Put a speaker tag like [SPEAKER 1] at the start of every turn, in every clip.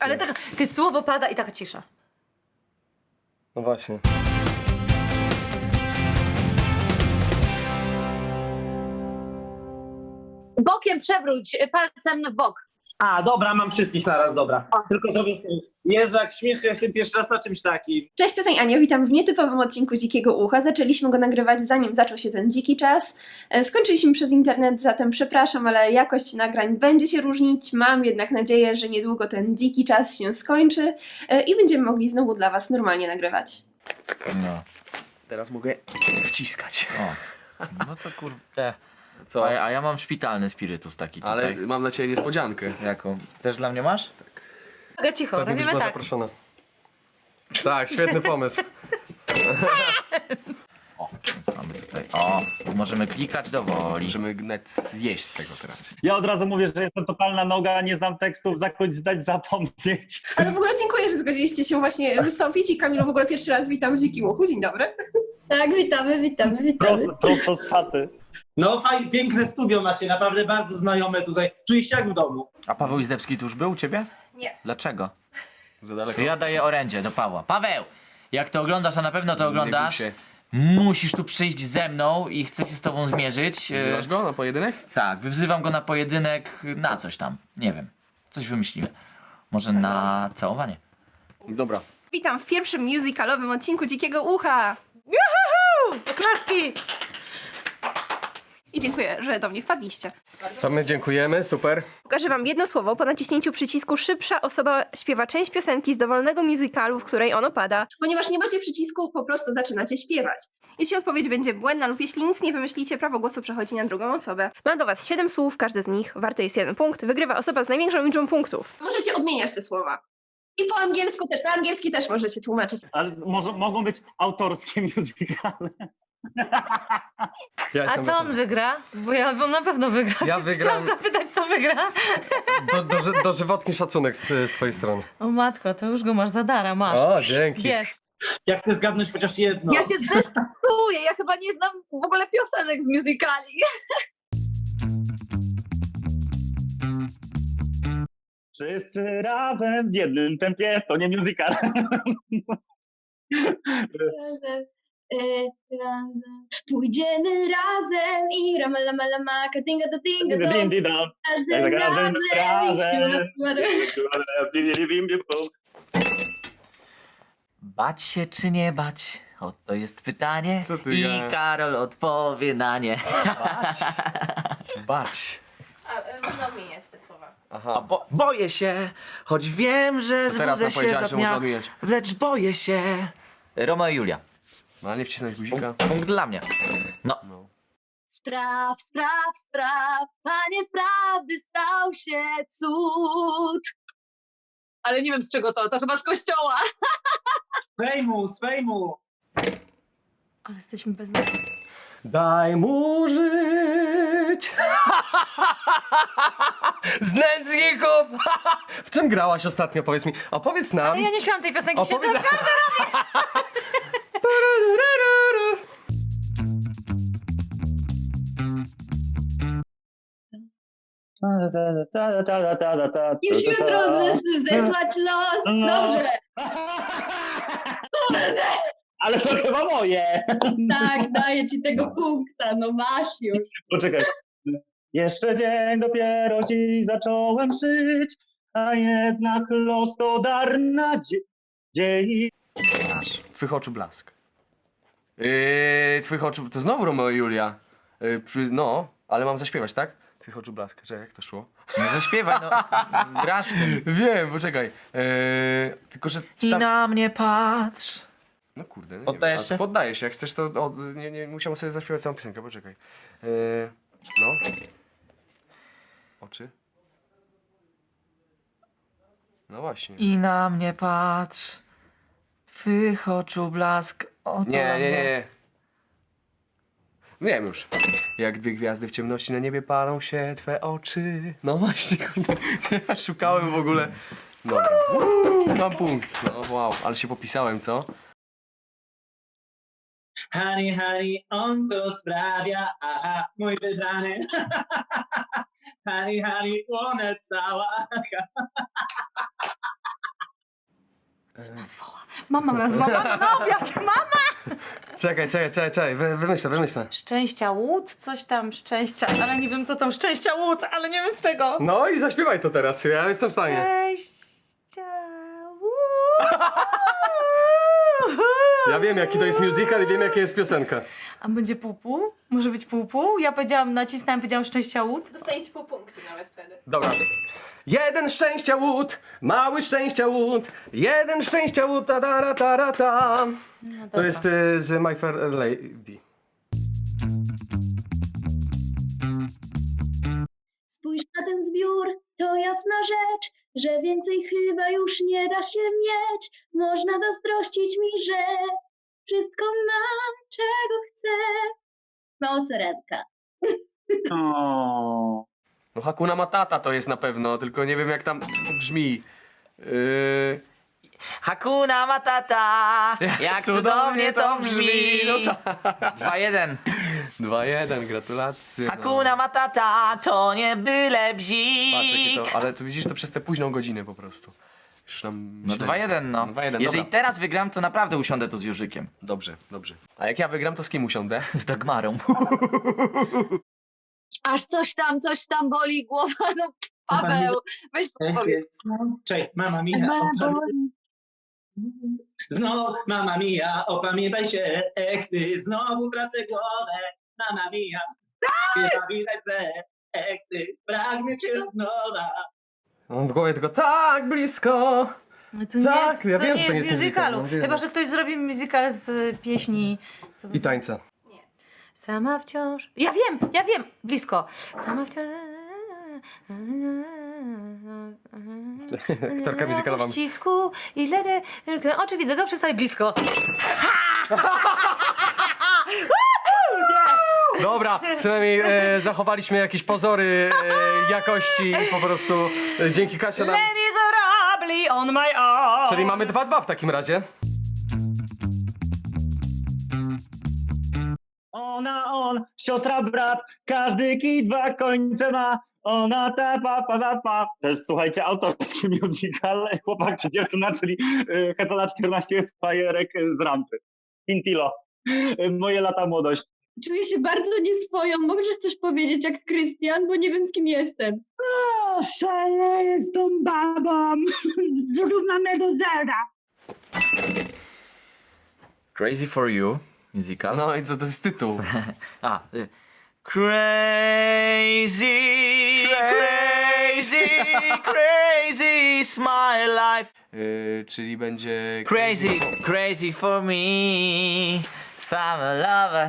[SPEAKER 1] Ale tak, ty słowo pada i taka cisza.
[SPEAKER 2] No właśnie.
[SPEAKER 3] Bokiem przewróć, palcem w bok.
[SPEAKER 4] A, dobra, mam wszystkich naraz, dobra. Tylko sobie... Jezu, jak śmiesznie, jestem pierwszy raz na czymś takim.
[SPEAKER 5] Cześć, tutaj Ania, witam w nietypowym odcinku Dzikiego Ucha. Zaczęliśmy go nagrywać zanim zaczął się ten dziki czas. Skończyliśmy przez internet, zatem przepraszam, ale jakość nagrań będzie się różnić. Mam jednak nadzieję, że niedługo ten dziki czas się skończy i będziemy mogli znowu dla Was normalnie nagrywać.
[SPEAKER 6] No.
[SPEAKER 2] Teraz mogę wciskać.
[SPEAKER 6] O. No to kurde.
[SPEAKER 2] Co?
[SPEAKER 6] A ja mam szpitalny spirytus taki tutaj.
[SPEAKER 2] Ale mam dla ciebie niespodziankę.
[SPEAKER 6] Jaką? Też dla mnie masz?
[SPEAKER 1] Uwaga, cicho,
[SPEAKER 2] Pewnie byś
[SPEAKER 1] robimy
[SPEAKER 2] była
[SPEAKER 1] tak.
[SPEAKER 2] zaproszona. Tak, świetny pomysł.
[SPEAKER 6] O, więc mamy tutaj. O, możemy klikać do woli.
[SPEAKER 2] Możemy net jeść z tego teraz.
[SPEAKER 4] Ja od razu mówię, że jestem totalna noga, nie znam tekstów, zakończ zdać, zapomnieć.
[SPEAKER 5] Ale w ogóle dziękuję, że zgodziliście się właśnie wystąpić i Kamilu w ogóle pierwszy raz witam w Dzikim Uchu. Dzień dobry.
[SPEAKER 7] Tak, witamy.
[SPEAKER 4] Prosto z chaty. No fajnie, piękne studio macie, naprawdę bardzo znajome tutaj. Czuliście jak w domu.
[SPEAKER 6] A Paweł Izdebski tu już był u ciebie?
[SPEAKER 5] Nie.
[SPEAKER 6] Dlaczego?
[SPEAKER 2] Za daleko.
[SPEAKER 6] To ja daję orędzie do Pawła. Paweł! Jak to oglądasz, a na pewno to oglądasz,
[SPEAKER 2] Nie
[SPEAKER 6] musisz tu przyjść ze mną i chcę się z tobą zmierzyć.
[SPEAKER 2] Wzywasz go na pojedynek?
[SPEAKER 6] Tak, wzywam go na pojedynek na coś tam. Nie wiem. Coś wymyślimy. Może na całowanie.
[SPEAKER 2] Dobra.
[SPEAKER 5] Witam w pierwszym musicalowym odcinku Dzikiego Ucha.
[SPEAKER 1] Oklaski!
[SPEAKER 5] I dziękuję, że do mnie wpadliście.
[SPEAKER 2] To my dziękujemy, super.
[SPEAKER 5] Pokażę wam jedno słowo po naciśnięciu przycisku szybsza osoba śpiewa część piosenki z dowolnego musicalu, w której ono pada. Ponieważ nie macie przycisku, po prostu zaczynacie śpiewać. Jeśli odpowiedź będzie błędna lub jeśli nic nie wymyślicie, prawo głosu przechodzi na drugą osobę. Mam do was 7 słów, każde z nich warte jest 1 punkt. Wygrywa osoba z największą liczbą punktów. Możecie odmieniać te słowa. I po angielsku też, na angielski też możecie tłumaczyć.
[SPEAKER 4] Ale może, mogą być autorskie musicale.
[SPEAKER 2] Ja
[SPEAKER 1] A
[SPEAKER 2] jestem
[SPEAKER 1] co on wygra? Bo on na pewno wygra.
[SPEAKER 2] Ja
[SPEAKER 1] więc
[SPEAKER 2] wygram.
[SPEAKER 1] Chciałam zapytać, co wygra.
[SPEAKER 2] Dożywotni szacunek z twojej strony.
[SPEAKER 1] O matko, to już go masz za dara, masz.
[SPEAKER 2] O, dzięki.
[SPEAKER 1] Bierz.
[SPEAKER 4] Ja chcę zgadnąć chociaż jedno.
[SPEAKER 3] Ja się zdecyduję, ja chyba nie znam w ogóle piosenek z musicali.
[SPEAKER 4] Wszyscy razem w jednym tempie, to nie musical.
[SPEAKER 7] Razem. Pójdziemy razem i ramalama, dinga do dinga do. Każdym razem.
[SPEAKER 6] Bać się czy nie bać? Oto jest pytanie.
[SPEAKER 2] Co ty
[SPEAKER 6] I
[SPEAKER 2] gadasz?
[SPEAKER 6] Karol odpowie na nie.
[SPEAKER 2] Bać.
[SPEAKER 5] Można odmieniać te słowa.
[SPEAKER 2] Aha.
[SPEAKER 6] Boję się, choć wiem, że
[SPEAKER 2] To teraz
[SPEAKER 6] zbudzę
[SPEAKER 2] nam
[SPEAKER 6] się
[SPEAKER 2] powiedziałaś,
[SPEAKER 6] za
[SPEAKER 2] że można
[SPEAKER 6] dnia,
[SPEAKER 2] odmieniać.
[SPEAKER 6] lecz boję się. Romeo i Julia.
[SPEAKER 2] No ale nie wcisnąć guzika.
[SPEAKER 6] Punkt dla mnie. No.
[SPEAKER 2] No.
[SPEAKER 3] Spraw, Panie sprawy stał się cud. Ale nie wiem z czego to chyba z kościoła.
[SPEAKER 4] Z fejmu.
[SPEAKER 1] Ale jesteśmy bez...
[SPEAKER 2] Daj mu żyć! Z nędzników! W czym grałaś ostatnio, powiedz mi? Opowiedz nam.
[SPEAKER 1] Ale ja nie śpiewam tej piosenki, się
[SPEAKER 2] Opowiedz...
[SPEAKER 1] naprawdę
[SPEAKER 7] Już jutro zesłać los. Dobrze.
[SPEAKER 4] Ale to chyba moje.
[SPEAKER 7] Tak, daję ci tego punkta, no masz już.
[SPEAKER 4] Poczekaj. Jeszcze dzień dopiero ci zacząłem żyć, a jednak los to dar nadziei.
[SPEAKER 6] Masz.
[SPEAKER 2] Twych oczu blask. Twych oczu... To znowu Romeo i Julia. No, ale mam zaśpiewać, tak? Twych oczu blask. Czekaj, jak to szło?
[SPEAKER 6] No zaśpiewaj, no. Grasz w tym.
[SPEAKER 2] Wiem, poczekaj. Tylko, że...
[SPEAKER 6] I na mnie patrz.
[SPEAKER 2] No kurde, no
[SPEAKER 6] Poddajesz
[SPEAKER 2] nie wiem.
[SPEAKER 6] się?
[SPEAKER 2] Poddaję się, jak chcesz to... nie musiałem sobie zaśpiewać całą piosenkę, poczekaj. No. Oczy. No właśnie.
[SPEAKER 6] I na mnie patrz. Twych oczu blask.
[SPEAKER 2] Nie. Wiem już. Jak dwie gwiazdy w ciemności na niebie palą się twe oczy. No właśnie, kurde. Ja szukałem w ogóle. Dobra. Mam punkt. No wow, ale się popisałem, co?
[SPEAKER 4] Honey, on to sprawia, aha, mój wybrany. Honey, płonę cała.
[SPEAKER 1] Nazwała. Mama nazwała, mama na obiad, mama!
[SPEAKER 2] Czekaj, wymyślę.
[SPEAKER 1] Szczęścia łód, coś tam szczęścia, ale nie wiem co tam szczęścia łód, ale nie wiem z czego.
[SPEAKER 2] No i zaśpiewaj to teraz, ja jestem w stanie.
[SPEAKER 1] Szczęścia łód.
[SPEAKER 2] Ja wiem jaki to jest musical i wiem jaka jest piosenka.
[SPEAKER 1] A będzie pół-pół? Może być pół-pół? Ja powiedziałam, nacisnąłem, powiedziałam szczęścia łód.
[SPEAKER 5] Dostaniecie po punkcie nawet wtedy.
[SPEAKER 2] Dobra. Jeden szczęścia łód, mały szczęścia łód, jeden szczęścia łód, ta ta ta ta ta.
[SPEAKER 1] No
[SPEAKER 2] To
[SPEAKER 1] dobra.
[SPEAKER 2] jest z My Fair Lady.
[SPEAKER 7] Spójrz na ten zbiór, to jasna rzecz, że więcej chyba już nie da się mieć. Można zazdrościć mi, że wszystko mam, czego chcę. Mało serenka.
[SPEAKER 2] No Hakuna Matata to jest na pewno, tylko nie wiem jak tam brzmi.
[SPEAKER 6] Hakuna Matata, jak cudownie to brzmi.
[SPEAKER 2] No
[SPEAKER 6] 2-1.
[SPEAKER 2] 2-1, gratulacje.
[SPEAKER 6] Hakuna Matata, to nie byle
[SPEAKER 2] Patrz jakie
[SPEAKER 6] bzik.
[SPEAKER 2] to, ale tu widzisz to przez tę późną godzinę po prostu. Już nam
[SPEAKER 6] No 2-1, no.
[SPEAKER 2] 2-1,
[SPEAKER 6] Jeżeli
[SPEAKER 2] dobra.
[SPEAKER 6] teraz wygram, to naprawdę usiądę tu z Jurzykiem.
[SPEAKER 2] Dobrze. A jak ja wygram, to z kim usiądę?
[SPEAKER 6] Z Dagmarą.
[SPEAKER 3] Aż coś tam boli głowa, no Paweł, weź powiedz.
[SPEAKER 4] Cześć, mama mia, znowu mama mia, opamiętaj się, ty, znowu tracę głowę, mama mia. Pamiętaj się, ty, pragnę cię od nowa.
[SPEAKER 2] Mam w głowie tylko tak blisko.
[SPEAKER 1] No to nie
[SPEAKER 2] Tak,
[SPEAKER 1] jest,
[SPEAKER 2] ja
[SPEAKER 1] to
[SPEAKER 2] wiem,
[SPEAKER 1] nie
[SPEAKER 2] że to
[SPEAKER 1] jest
[SPEAKER 2] nie jest musical,
[SPEAKER 1] musicalu.
[SPEAKER 2] no wiem.
[SPEAKER 1] Chyba, że ktoś zrobi musical z pieśni. Co to
[SPEAKER 2] I
[SPEAKER 1] za-
[SPEAKER 2] tańca.
[SPEAKER 1] Sama wciąż. Ja wiem! Blisko. Sama wciąż.
[SPEAKER 2] Aktorka musicalowa.
[SPEAKER 1] W ścisku i oczy widzę go przestań blisko.
[SPEAKER 2] Dobra, przynajmniej zachowaliśmy jakieś pozory jakości i po prostu dzięki Kasia nam...
[SPEAKER 1] Les Miserables on my own.
[SPEAKER 2] Czyli mamy 2-2 w takim razie.
[SPEAKER 8] Ona, on, siostra, brat, każdy kij dwa końce ma. Ona ta pa. To jest, słuchajcie, autorski musical Chłopak czy dziewczyna, czyli Heca na 14 fajerek z rampy. Quintilo. Moje lata młodość.
[SPEAKER 7] Czuję się bardzo nieswoją. Możesz coś powiedzieć jak Krystian, bo nie wiem z kim jestem.
[SPEAKER 8] O, szaleję z tą babą. Zrównamy do zera.
[SPEAKER 6] Crazy for You musical.
[SPEAKER 2] No i co to jest tytuł?
[SPEAKER 6] Crazy is my life.
[SPEAKER 2] Czyli będzie...
[SPEAKER 6] Crazy for me. Summer lover,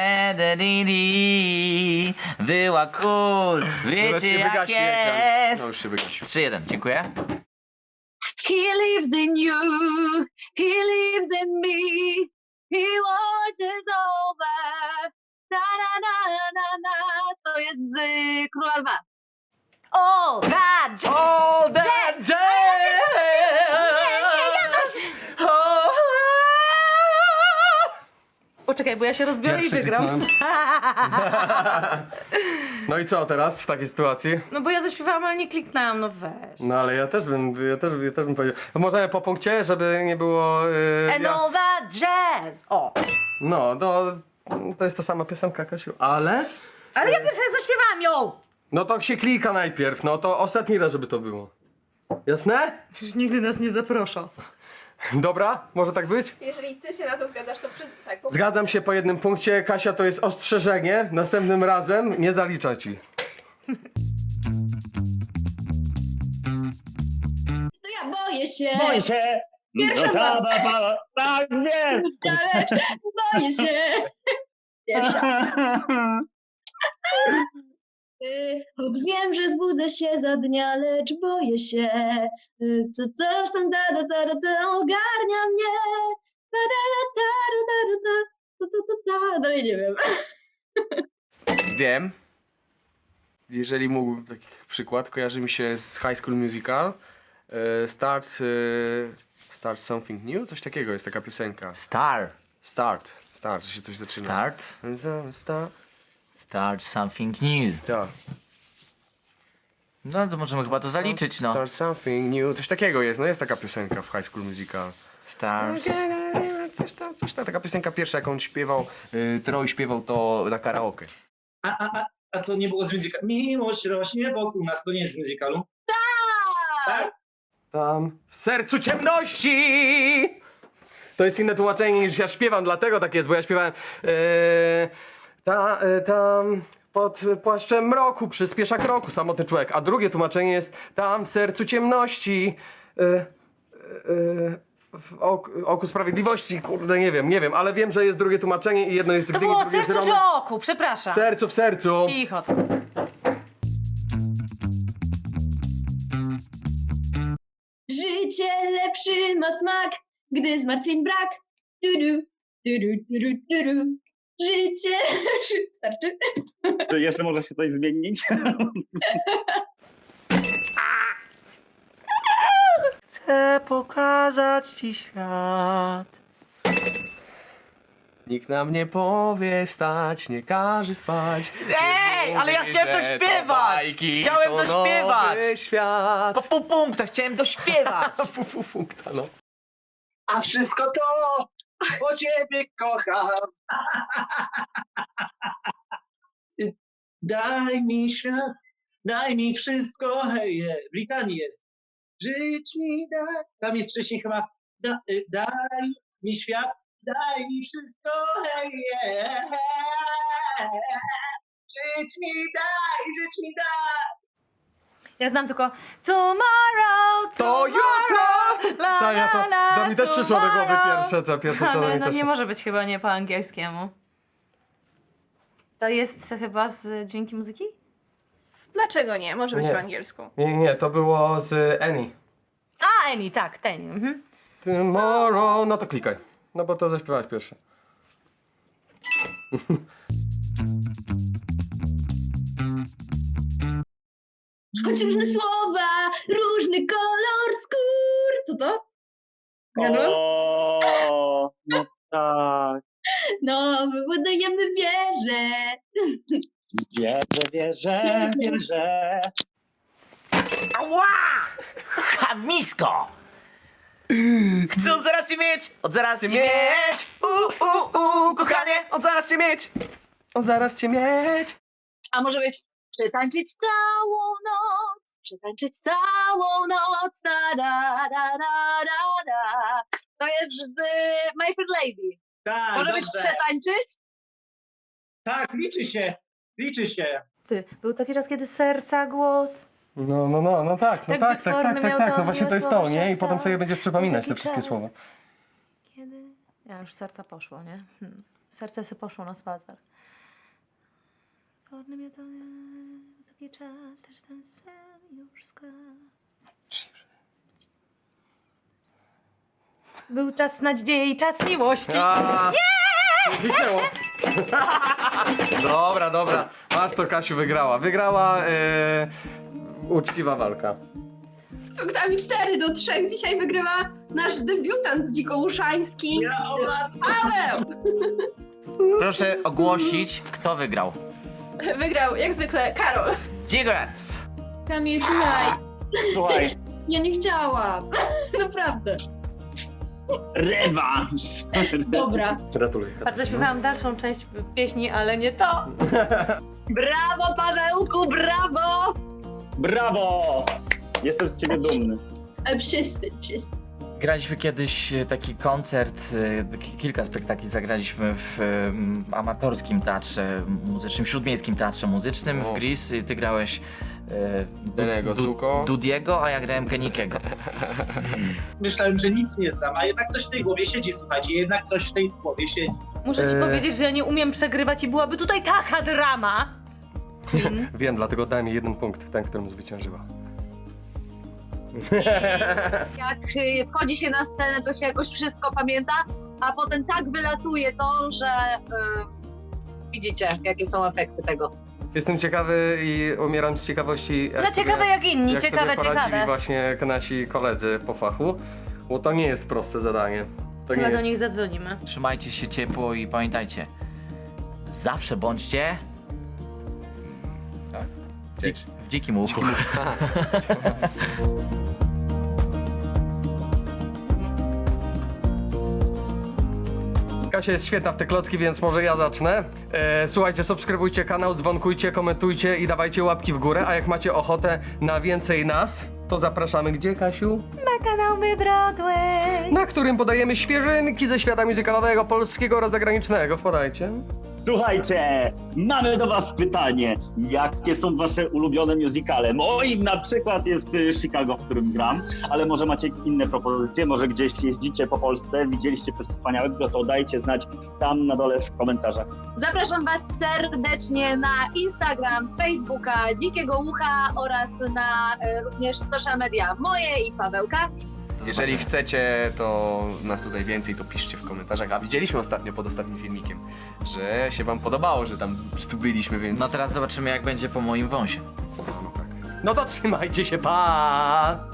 [SPEAKER 6] była cool, wiecie jak jest.
[SPEAKER 2] No już się wygasił.
[SPEAKER 6] 3-1, dziękuję.
[SPEAKER 3] He lives in you, he lives in me, he watches over. Na. To jest z Króla Lwa.
[SPEAKER 1] All that
[SPEAKER 6] All that
[SPEAKER 1] Poczekaj, bo ja się rozbiorę i wygram.
[SPEAKER 2] kliknąłem. No i co teraz w takiej sytuacji?
[SPEAKER 1] No bo ja zaśpiewałam, ale nie kliknęłam, no weź.
[SPEAKER 2] No ale ja też bym powiedział. Możemy po punkcie, żeby nie było...
[SPEAKER 1] And all that jazz. O.
[SPEAKER 2] No, to jest ta sama piosenka, Kasiu, ale...
[SPEAKER 1] Ale ja pierwsza zaśpiewałam ją.
[SPEAKER 2] No to się klika najpierw, no to ostatni raz, żeby to było. Jasne?
[SPEAKER 1] Już nigdy nas nie zaprosza.
[SPEAKER 2] Dobra? Może tak być?
[SPEAKER 5] Jeżeli ty się na to zgadzasz, to tak.
[SPEAKER 2] Zgadzam się po jednym punkcie. Kasia, to jest ostrzeżenie. Następnym razem nie zalicza ci.
[SPEAKER 7] To ja boję się.
[SPEAKER 8] Boję się.
[SPEAKER 7] Pierwsza baba.
[SPEAKER 8] Tak, wiem.
[SPEAKER 7] Boję się. Pierwsza. Choć wiem, że zbudzę się za dnia, lecz boję się. Coś tam ogarnia mnie. Dalej nie wiem.
[SPEAKER 2] Wiem. Jeżeli mógłbym taki przykład, kojarzy mi się z High School Musical. Start Something New? Coś takiego jest taka piosenka. Start, że się coś zaczyna.
[SPEAKER 6] Start something new.
[SPEAKER 2] Tak.
[SPEAKER 6] No to możemy chyba to zaliczyć, no.
[SPEAKER 2] Start something new. Coś takiego jest, no jest taka piosenka w High School Musical.
[SPEAKER 6] Stars.
[SPEAKER 2] Coś tam, taka piosenka pierwsza, jaką on śpiewał, Troy śpiewał to na karaoke.
[SPEAKER 4] A to nie było z musicalu. Miłość rośnie wokół nas, to nie jest z musicalu. Tak?
[SPEAKER 2] Tam w sercu ciemności! To jest inne tłumaczenie niż ja śpiewam, dlatego tak jest, bo ja śpiewałem tam pod płaszczem mroku przyspiesza kroku samotny człowiek, a drugie tłumaczenie jest tam w sercu ciemności w oku sprawiedliwości, kurde nie wiem, ale wiem, że jest drugie tłumaczenie i jedno jest
[SPEAKER 1] To
[SPEAKER 2] gdy,
[SPEAKER 1] było
[SPEAKER 2] drugie jest
[SPEAKER 1] sercu czy
[SPEAKER 2] Romy.
[SPEAKER 1] oku? Przepraszam.
[SPEAKER 2] W sercu.
[SPEAKER 1] Cicho.
[SPEAKER 7] Życie lepszy ma smak, gdy zmartwień brak. Tudu, tudu, tudu, tudu. Życie starczy.
[SPEAKER 8] Czy jeszcze może się coś zmienić?
[SPEAKER 2] Chcę pokazać ci świat. Nikt nam nie powie stać, nie każe spać.
[SPEAKER 6] Ej, ale ja
[SPEAKER 2] Mówi,
[SPEAKER 6] chciałem
[SPEAKER 2] że
[SPEAKER 6] dośpiewać!
[SPEAKER 2] bajki
[SPEAKER 6] Chciałem
[SPEAKER 2] to
[SPEAKER 6] dośpiewać!
[SPEAKER 2] nowy świat.
[SPEAKER 6] Po pół punkta chciałem dośpiewać!
[SPEAKER 2] Punkta, no.
[SPEAKER 4] A wszystko to, bo ciebie kocham. Daj mi świat, daj mi wszystko, hej, w litanii jest. Żyć mi daj, tam jest wcześniej chyba, daj mi świat, daj mi wszystko, hej, żyć mi daj.
[SPEAKER 1] Ja znam tylko tomorrow,
[SPEAKER 2] To jutro!
[SPEAKER 1] la,
[SPEAKER 2] Tak, ja to,
[SPEAKER 1] la, la,
[SPEAKER 2] to mi też przyszło do głowy
[SPEAKER 1] tomorrow.
[SPEAKER 2] pierwsze co do
[SPEAKER 1] Ale
[SPEAKER 2] mnie
[SPEAKER 1] no
[SPEAKER 2] też.
[SPEAKER 1] nie może być chyba nie po angielskiemu. To jest chyba z dźwięki muzyki?
[SPEAKER 5] Dlaczego nie? Może być
[SPEAKER 2] Nie.
[SPEAKER 5] po angielsku.
[SPEAKER 2] Nie, to było z Annie.
[SPEAKER 1] A, Eni, tak, ten. Mhm.
[SPEAKER 2] Tomorrow, no to klikaj. No bo to zaśpiewałaś pierwsze.
[SPEAKER 7] Choć różne słowa, różny kolor skór. Co to? Zgadłam?
[SPEAKER 8] O, no tak.
[SPEAKER 7] No, wybudujemy wieżę.
[SPEAKER 8] Wierzę.
[SPEAKER 6] Ała! Chamisko! Chcę od zaraz cię mieć! Od zaraz cię mieć! Kochanie!
[SPEAKER 2] Od zaraz cię mieć! Od zaraz cię mieć!
[SPEAKER 3] A może być przetańczyć całą noc, przetańczyć całą noc, da, da, da, da, da, da. To jest z My Fair Lady.
[SPEAKER 4] Tak,
[SPEAKER 3] Może być
[SPEAKER 4] dobrze.
[SPEAKER 3] przetańczyć?
[SPEAKER 4] Tak, liczy się.
[SPEAKER 1] Ty, był taki czas, kiedy serca głos.
[SPEAKER 2] No tak,
[SPEAKER 1] Tak wytworny miał
[SPEAKER 2] no
[SPEAKER 1] to
[SPEAKER 2] właśnie to jest
[SPEAKER 1] miłe
[SPEAKER 2] to, nie? I
[SPEAKER 1] słowa
[SPEAKER 2] potem sobie będziesz przypominać te
[SPEAKER 1] taki
[SPEAKER 2] wszystkie
[SPEAKER 1] czas.
[SPEAKER 2] słowa.
[SPEAKER 1] Kiedy? Ja już serca poszło, nie? Serce se poszło na spacer. Wytworny miał to taki czas, też ten sen już zgasł. Był czas nadziei i czas miłości.
[SPEAKER 2] Zniknęło. Dobra. Masz to, Kasiu, wygrała. Wygrała uczciwa walka.
[SPEAKER 5] Z punktami 4-3 dzisiaj wygrywa nasz debiutant dzikołuszański Paweł!
[SPEAKER 6] Proszę ogłosić, kto wygrał.
[SPEAKER 5] Wygrał jak zwykle Karol.
[SPEAKER 6] Dziękuję!
[SPEAKER 7] Kamil, słuchaj,
[SPEAKER 8] Słuchaj,
[SPEAKER 7] ja nie chciałam. Naprawdę.
[SPEAKER 8] rewanż.
[SPEAKER 7] Dobra.
[SPEAKER 2] Gratuluję.
[SPEAKER 1] Bardzo zaśpiewałam dalszą część pieśni, ale nie to.
[SPEAKER 3] Brawo, Pawełku, brawo!
[SPEAKER 8] Brawo! Jestem z ciebie dumny.
[SPEAKER 7] Przestań.
[SPEAKER 6] Graliśmy kiedyś taki koncert, kilka spektakli zagraliśmy w amatorskim teatrze muzycznym, śródmiejskim teatrze muzycznym
[SPEAKER 2] O.
[SPEAKER 6] w Gris. Ty grałeś
[SPEAKER 2] Danego Zuko.
[SPEAKER 6] Dudiego, a ja grałem Kenikiego.
[SPEAKER 4] Myślałem, że nic nie znam, a jednak coś w tej głowie siedzi, słuchajcie, jednak coś w tej głowie siedzi.
[SPEAKER 1] Muszę ci powiedzieć, że ja nie umiem przegrywać i byłaby tutaj taka drama.
[SPEAKER 2] Wiem, dlatego dałem jej 1 punkt, ten, którym zwyciężyła.
[SPEAKER 3] Jak wchodzi się na scenę, to się jakoś wszystko pamięta, a potem tak wylatuje to, że widzicie, jakie są efekty tego.
[SPEAKER 2] Jestem ciekawy i umieram z ciekawości.
[SPEAKER 1] No ciekawe jak inni,
[SPEAKER 2] jak
[SPEAKER 1] ciekawe.
[SPEAKER 2] sobie poradzili właśnie nasi koledzy po fachu, bo to nie jest proste zadanie. To
[SPEAKER 1] Chyba
[SPEAKER 2] nie
[SPEAKER 1] do
[SPEAKER 2] jest.
[SPEAKER 1] nich zadzwonimy.
[SPEAKER 6] Trzymajcie się ciepło i pamiętajcie, zawsze bądźcie
[SPEAKER 2] Tak.
[SPEAKER 6] w Dzikim łuku.
[SPEAKER 2] Kasia jest świetna w te klocki, więc może ja zacznę. Słuchajcie, subskrybujcie kanał, dzwonkujcie, komentujcie i dawajcie łapki w górę, a jak macie ochotę na więcej nas, to zapraszamy gdzie, Kasiu?
[SPEAKER 1] Na kanał My Broadway.
[SPEAKER 2] Na którym podajemy świeżynki ze świata muzykalowego, polskiego oraz zagranicznego. Wpadajcie.
[SPEAKER 8] Słuchajcie, mamy do was pytanie. Jakie są wasze ulubione musicale? Moim na przykład jest Chicago, w którym gram, ale może macie inne propozycje, może gdzieś jeździcie po Polsce, widzieliście coś wspaniałego, to dajcie znać tam na dole w komentarzach.
[SPEAKER 3] Zapraszam Was serdecznie na Instagram, Facebooka, Dzikiego Ucha oraz na również social media moje i Pawełka.
[SPEAKER 2] Jeżeli chcecie, to nas tutaj więcej, to piszcie w komentarzach. A widzieliśmy ostatnio pod ostatnim filmikiem, że się wam podobało, że tam tu byliśmy, więc...
[SPEAKER 6] No teraz zobaczymy jak będzie po moim wąsie.
[SPEAKER 2] No to trzymajcie się, pa!